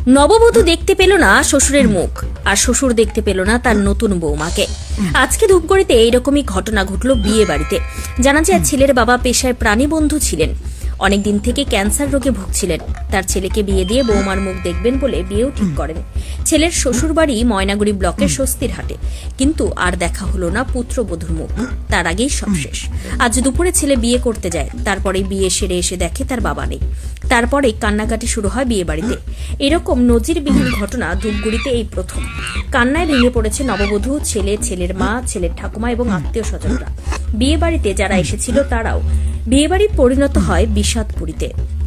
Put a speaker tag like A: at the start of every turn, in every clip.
A: নববধূ দেখতে পেল না শ্বশুরের মুখ, আর শ্বশুর দেখতে পেল না তার নতুন বৌমাকে। আজকে ধূপগুড়িতে এইরকমই ঘটনা ঘটল বিয়ে বাড়িতে। জানা যায় ছেলের বাবা পেশায় প্রাণীবন্ধু ছিলেন, অনেকদিন থেকে ক্যান্সার রোগে ভুগছিলেন। তার ছেলেকে বিয়ে দিয়ে বৌমার মুখ দেখবেন বলে বিয়েও ঠিক করেন। ছেলের শ্বশুর বাড়ি ময়নাগুড়ি ব্লকের স্বস্তিরহাটে, কিন্তু আর দেখা হলো না পুত্রবধূর মুখ। তার আগেই সব শেষ। আজ দুপুরে ছেলে বিয়ে করতে যায়, তারপরে বিয়ে সেরে এসে দেখে তার বাবা নেই। তারপরে কান্নাকাটি শুরু হয় বিয়ে বাড়িতে। এরকম নজিরবিহীন ঘটনা ধূপগুড়িতে এই প্রথম। কান্নায় ভেঙে পড়েছে নববধূ, ছেলে, ছেলের মা, ছেলের ঠাকুমা এবং আত্মীয় স্বজনরা। বিয়ে বাড়িতে যারা এসেছিল তারাও। বিয়ে বাড়ি পরিণত হয় বিষাদপুরীতে।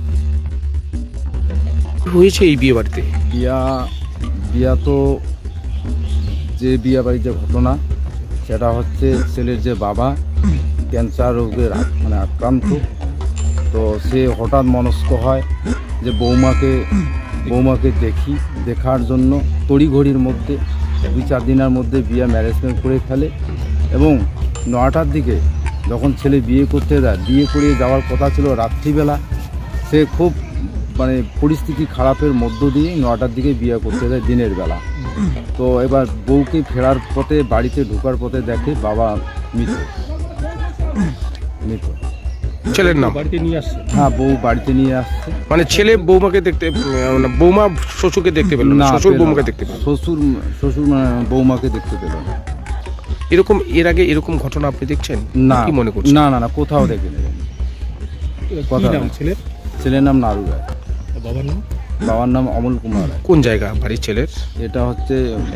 B: হয়েছে এই বিয়ে বাড়িতে
C: বিয়া তো যে বিয়ে বাড়ির যে ঘটনা, সেটা হচ্ছে ছেলের যে বাবা ক্যান্সার রোগের আক্রান্ত। তো সে হঠাৎ মনস্ক হয় যে বৌমাকে দেখার জন্য তড়িঘড়ির মধ্যে 2-4 দিনের মধ্যে বিয়ে ম্যারেজমেন্ট করে ফেলে। এবং 9টার দিকে যখন ছেলে বিয়ে করতে যায়, বিয়ে করে যাওয়ার কথা ছিল রাত্রিবেলা, সে খুব পরিস্থিতি খারাপের মধ্য দিয়ে 9টার দিকে বিয়ে করতে যায় দিনের বেলা। তো এবার বউকে ফেরার পথে, বাড়িতে ঢোকার পথে দেখে বাবা মৃত।
B: ছেলের নাম
D: বাড়িতে নিয়ে আসছে?
C: হ্যাঁ, বউ বাড়িতে নিয়ে আসছে।
B: মানে ছেলে বৌমাকে দেখতে, বৌমা শ্বশুরকে দেখতে পেল না, শ্বশুর বৌমাকে দেখতে পেল।
C: শ্বশুর বৌমাকে দেখতে পেল না।
B: এরকম এর আগে এরকম ঘটনা আপনি দেখছেন?
C: না,
B: কি মনে করছেন?
C: না, কোথাও দেখিনি। ছেলের নাম নারু রায়। বাবার নাম অমল কুমার রায়।
B: কোন জায়গা বাড়ি ছেলের?
C: এটা হচ্ছে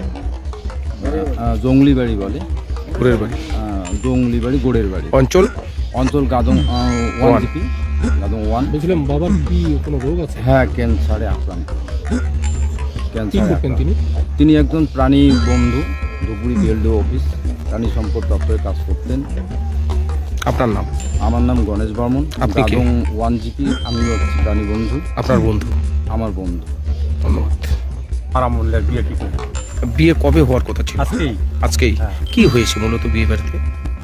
C: জঙ্গলি বাড়ি বলে,
B: গোড়ের বাড়ি।
C: জঙ্গলি বাড়ি, গোড়ের বাড়ি। অঞ্চল গাদং 1 জিপি, গাদং 1।
D: বলছিলাম বাবার কি কোনো রোগ আছে?
C: হ্যাঁ, ক্যান্সারে আক্রান্ত।
D: তিনি
C: তিনি একজন প্রাণী বন্ধু, ধুপগুড়ি বিএলডিও অফিস প্রাণী সম্পদ দপ্তরে কাজ করতেন।
B: আপনার নাম?
C: আমার নাম গণেশ বর্মন।
B: আপনি কে?
C: গাদং 1 জিপি। আমি হচ্ছি প্রাণী বন্ধু।
B: আপনার বন্ধু?
C: আমার বন্ধু।
B: ধন্যবাদ।
E: আরামুল্লার বিয়ে কি করে?
B: বিয়ে কবে হওয়ার কথা ছিল?
E: আজকেই।
B: হ্যাঁ। কি হয়েছে মূলত বিয়ে বাড়িতে?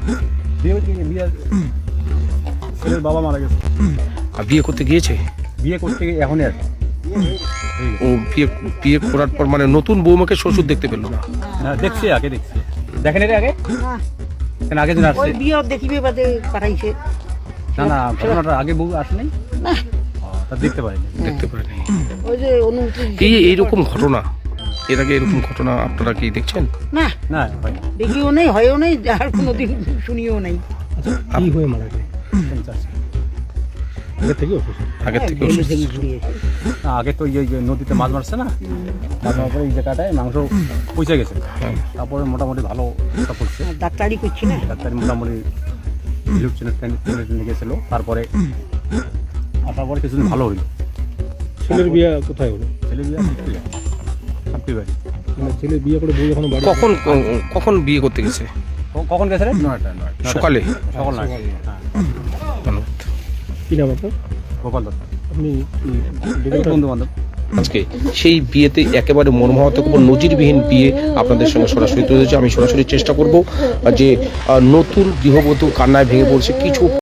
E: ছেলের বাবা মারা গেছে।
B: আর বিয়ে করতে গিয়েছে?
E: বিয়ে করতে গিয়ে এখনই আর
B: ও বিয়ে করার পর মানে নতুন বৌমাকে শ্বশুর দেখতে পেল না?
E: দেখছি, দেখেন এর আগে কেন আগে দিন আসছে?
F: ওই বিয়ে দেখিবে বাদে পাঠাইছে।
E: না, ঘটনাটা আগে বউ আসে নাই,
F: না
E: তা দেখতে পারিনি।
F: ওই যে অনুমতি
B: এইরকম ঘটনা এর আগে এরকম ঘটনা আপনারা কি দেখছেন?
F: না
E: না হয়
F: দেখিও নেই, হয়ও নেই, আর কোনোদিন শুনিও নাই।
D: কি হয়ে মারা গেল? আগে থেকে
F: ভেঙে ভেঙে ঘুরিয়েছে।
E: আগে তো এই নদীতে মাছ মারছে না, মাছ মারার পরে এই জায়গাটায় মাংস পচে গেছে। তারপরে মোটামুটি ভালো করছে,
F: আর ডাক্তারি করছি না,
E: ডাক্তারি মোটামুটি টেনে গেছিল। তারপরে আসার পরে কিছুদিন ভালো হইলো।
D: ছেলের বিয়ে কোথায় হলো?
E: ছেলে বিয়ে সাপ্তি বাড়ি।
D: মানে ছেলে বিয়ে করে বউ যখন বাড়ি
B: কখন বিয়ে করতে গেছে?
E: কখন গেছে রে?
C: 9টা।
B: সকালে?
E: সকাল না।
B: ধন্যবাদ।
D: কি নাম আপনার?
E: গোপাল দত্ত।
D: আপনি
E: বন্ধু বান্ধব।
B: আজকে সেই বিয়েতে একেবারে মর্মাহত নজিরবিহীন বিয়ে আপনাদের সঙ্গে সরাসরি তুলে ধরেছি। আমি সরাসরি চেষ্টা করব যে নতুন গৃহবধূ কান্নায় ভেঙে পড়ছে। কিছু